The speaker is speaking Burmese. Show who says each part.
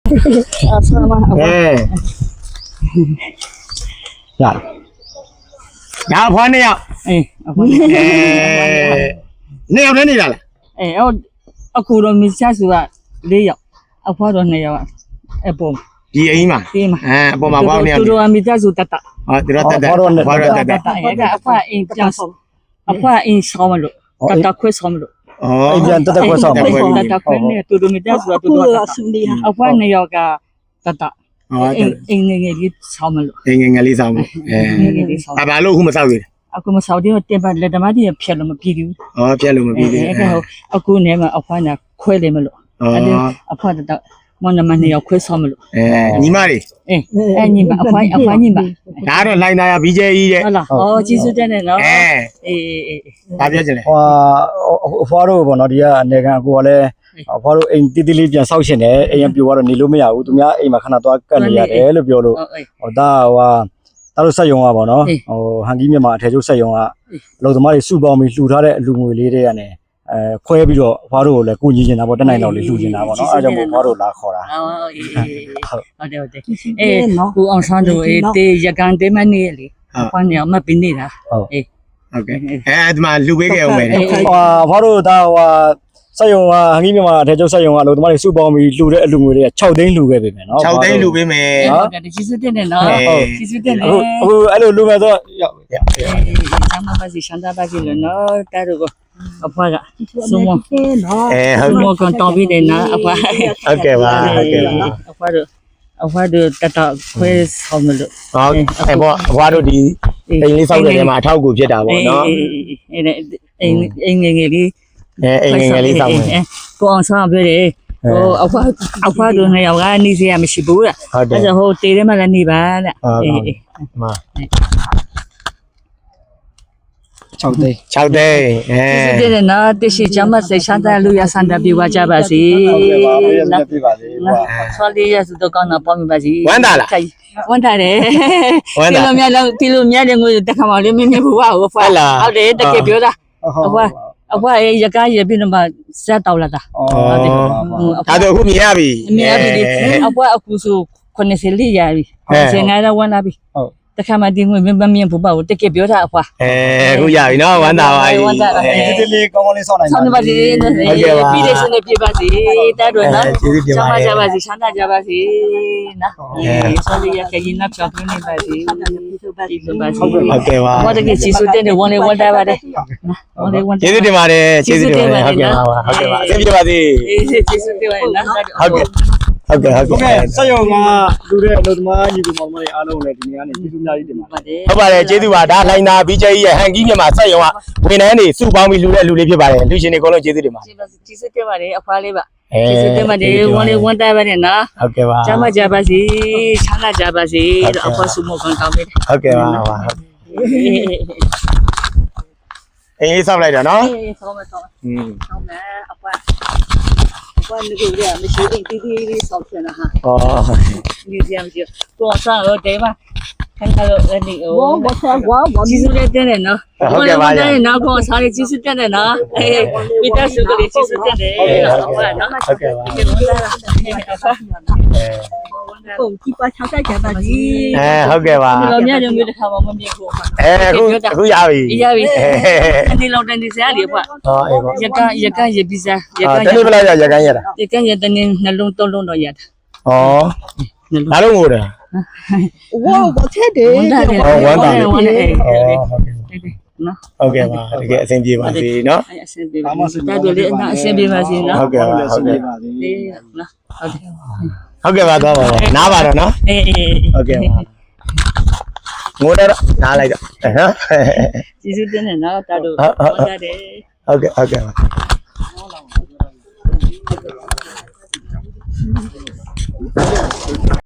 Speaker 1: ညာဖွားနေရောက်နေရောက်နေလာလား
Speaker 2: အခုတော့မချဆူက4ယောက်အဖွားတော့2ယောက်အပေါ်
Speaker 1: ဒီအိမ်မှာအပေါ်မှာဘာနေရ
Speaker 2: သူတို့အမိသားစုတတ်တာ
Speaker 1: သူတို့တတ်ဘာလို့တတ်
Speaker 2: အဖွားအိမ်ပြန်အဖွားအိမ်ဆောင်းမလို့တတ်ခွဲဆောင်းမလို့
Speaker 3: အိမ်ပြန်တတ်ခွဲဆောင်း
Speaker 2: တတ်ခွဲနဲ့သူတို့မိသားစုကသူတို့အဖွား2ယောက်ကတတ်အိမ်ငယ်လေးဆောင်းမလို့
Speaker 1: အိမ်ငယ်လေးဆောင်းမဘာလို့အခုမဆောက်ရည်
Speaker 2: အခုမဆောက်သေးတော့တင်ပါလက်ဓမ္မကြီးဖြတ်လို့မပြီးဘူး
Speaker 1: ဖြတ်လို့မပြီးသေး
Speaker 2: အခုနေမှာအဖွားကခွဲတယ်မလို့အဲ့အဖွားတော့မနမ2ယောက်ခွဲဆောင်းမလို့
Speaker 1: ညီမလေး
Speaker 2: ညီမအဖွားညီမ
Speaker 1: ဒါတော့လိုင်းသားရ BJ ကြီးတဲ့
Speaker 2: ဟုတ်လားကျေးဇူးတင်တယ်နော်
Speaker 1: ဘာပြောချင်လဲ
Speaker 3: အဖွားတို့ပေါ့နော်ဒီကအနေခံကိုကလည်းအဖွားတို့အိမ်တိတိလေးပြန်ဆောက်ရှင်တယ်အိမ်ပြိုကတော့နေလို့မရဘူးသူများအိမ်မှာခဏသွားကတ်နေရတယ်လို့ပြောလို့ဒါတို့ဆက်ယုံပါနော်ဟန်ကြီးမြန်မာအထည်ချုပ်ဆက်ယုံကအလုပ်သမားတွေစုပေါင်းပြီးလှူထားတဲ့အလူငွေလေးတွေကနေခွဲပြီးတော့အဖွားတို့ကိုလည်းကိုကြီးနေတာပေါ့တက်နိုင်တော့လေးလှူနေတာပေါ့နော်အဲကြောင့်မို့အဖွားတို့လာခေါ်တာ
Speaker 2: ဟုတ်တယ်ကိုအောင်ဆန်းတို့တေးရကန်တေးမနေလေအဖွားညမပင်းနေတာ
Speaker 1: ဟုတ်ကဲ့ဒီမှာလှူပေးခဲ့အောင်မယ်
Speaker 3: အဖွားတို့ဒါဆက်ယုံကဟန်ကြီးမြန်မာအထည်ချုပ်ဆက်ယုံကအလုပ်သမားတွေစုပေါင်းပြီးလှူတဲ့အလူငွေတွေက6သိန်းလှူခဲ့ပြီမယ်နော်
Speaker 1: 6သိန်းလှူပေးမယ်
Speaker 2: ဟုတ်တယ်ကျေးဇူးတင်တယ်နော်ကျေးဇူးတင်တယ်
Speaker 3: အခုအဲ့လိုလှူမယ်ဆိုရောက်
Speaker 2: ဆမ်းမပါစီရှမ်းသာပါစီလို့နော်တာတို့အဖွားကစုံမ
Speaker 1: ဟုတ်
Speaker 2: ကန်တော်ပြီးတယ်နော်အဖွား
Speaker 1: ဟုတ်ကဲ့ပါ
Speaker 2: အဖွားတို့တတခွဲဆောင်မလို့
Speaker 1: ဟုတ်ပေါ့အဖွားတို့ဒီအိမ်လေးဆောက်တဲ့နေရာမှာအထောက်အကူဖြစ်တာပေါ့နော်
Speaker 2: အိမ်ငယ်လေး
Speaker 1: အိမ်ငယ်လေးဆောက်မယ်
Speaker 2: ကိုအောင်ဆောင်ပြတယ်အဖွားတို့2ယောက်ကနေစရာမရှိဘူးလားအဲ့ဒါဟိုတေးထဲမှာလည်းနေပါတဲ့
Speaker 3: 6သိန်း
Speaker 1: ကျေးဇူ
Speaker 2: းတင်တယ်နော်တရှိချမ်းမစိတ်ချမ်းသာလူရဆန္ဒပြဝကြပါစေ
Speaker 3: နော်ပြပါစေ
Speaker 2: ဆော်လေးရစုတော့ကောင်းတော့ပေါင်းပါစေ
Speaker 1: ဝမ်းသာလား
Speaker 2: ဝမ်းသာတယ်ဒီလိုများတဲ့ငွေတက်ခါမှလေးမင်းဘူးဟာဟုတ်တယ်တကယ်ပြောတာအဖွားရကားရပြင်းမှာစက်တောက်လာတာ
Speaker 1: ဟုတ်တယ်အခုမြင်ရပြီ
Speaker 2: အဖွားအခုဆို90လေးရပြီ90တော့ဝမ်းလာပြီဟုတ်တခါမှဒီငွေမမြင်ဘူးပေါ့တကယ်ပြောတာအဖွား
Speaker 1: အခုရပြီနော်ဝမ်းသာပါပြီ
Speaker 3: ဒီလေးကောင်းကောင်းလေးဆောက်နိုင်
Speaker 2: ပါဆောင်းပါစေပြီးတဲ့စနေပြပါစေတတ်တော့နော်ချမ်းသာကြပါစေချမ်းသာကြပါစေနော်ဆောင်းလေးရကရင်နောက်ချောင်းနေပါစေ
Speaker 1: ဟုတ်ကဲ့ပါ
Speaker 2: ဘာတကယ်ကျေးဇူးတင်တယ်ဝန်လေးဝန်တာပါတယ်
Speaker 1: ကျေးဇူးတင်ပါတယ်ကျေးဇူးတင်ပါတယ်ဟုတ်ကဲ့ပါအဆင်ပြေပါစေ
Speaker 2: ကျေးဇူးတင်ပါတယ်နော်
Speaker 1: ဟုတ်ကဲ့
Speaker 3: ဆက်ရုံကလူတဲ့အလုပ်သမားညီကိုမောင်မတွေအားလုံးလည်းဒီနေ့ကနေကျေးဇူးများကြီးတင်ပါတယ်
Speaker 1: ဟုတ်ပါတယ်ကျေးဇူးပါဒါလိုင်းနာ BJ ရဲ့ဟန်ကြီးမြန်မာဆက်ရုံကဝန်ထမ်းတွေစုပေါင်းပြီးလူတဲ့လူလေးဖြစ်ပါတယ်လူရှင်တွေအကုန်လုံးကျေးဇူးတင်ပါတယ်
Speaker 2: ကျေးဇူးတင်ပါတယ်အဖွားလေးပါကျေးဇူးတင်ပါတယ်ဝန်လေးဝန်တာပါတယ်နော်
Speaker 1: ဟုတ်ကဲ့ပါ
Speaker 2: ကျမ်းမကြပါစေချမ်းသာကြပါစေလို့အဖွားစုမကောင်းတောင်းပေးတယ်
Speaker 1: ဟုတ်ကဲ့ပါအေးဆောက်လိုက်တာနော်
Speaker 2: ဆောင်းမယ်ဆောင်းမယ်အဖွားဘာလို့လဲမရှိရင်တီးတီးဆောက်ချင်တာဟာဒီကြမ်းကြကိုစားတော့တဲပါခဏတော့အဲ့ဒီကျေးဇူးတင်တယ်နော်
Speaker 1: ဟုတ်ကဲ့ပါ
Speaker 2: နော်ကိုစားရေးကျေးဇူးတင်တယ်နော်မိသားစုကလေးကျေးဇူးတင်တယ်ဟုတ်ပါနော်
Speaker 1: ဟုတ်ကဲ့ပါ
Speaker 2: ကိုကြည့်ပါချောက်ကြပါကြီး
Speaker 1: ဟုတ်ကဲ့ပါ
Speaker 2: လောမြရုံမျိုးတစ်ခါမှမမြင်ဘူး
Speaker 1: အခုရပြီ
Speaker 2: အနေလောက်တန်းဒီစားလေးပေါ့ရကရပီဇာ
Speaker 1: တနေ့ဘယ်လောက်ရကန်ရတာ
Speaker 2: တနေ့နှလုံး3လုံးတော့ရတာ
Speaker 1: ဘာလို့ငိုတာ
Speaker 2: ဝါဘာထဲတယ်
Speaker 1: ဝမ်းသာတယ်
Speaker 2: နော်
Speaker 1: ဟုတ်ကဲ့ပါတကယ်အဆင်ပြေပါစေနော်
Speaker 2: အဆင်ပြေပါစေတာတို့လေးအဆင်ပြေပါစေနော်
Speaker 1: ဟုတ်ကဲ့ပါဟုတ်ကဲ့ပါ
Speaker 2: နော်
Speaker 1: ဟုတ်ကဲ့ပါတော့ပါနားပါတော့နော်ဟုတ်ကဲ့ပါငိုတော့နားလိုက်တော့နော်
Speaker 2: ကျေးဇူးတင်တယ်နော်တာတို့ဟုတ်တယ်
Speaker 1: ဟုတ်ကဲ့ပါ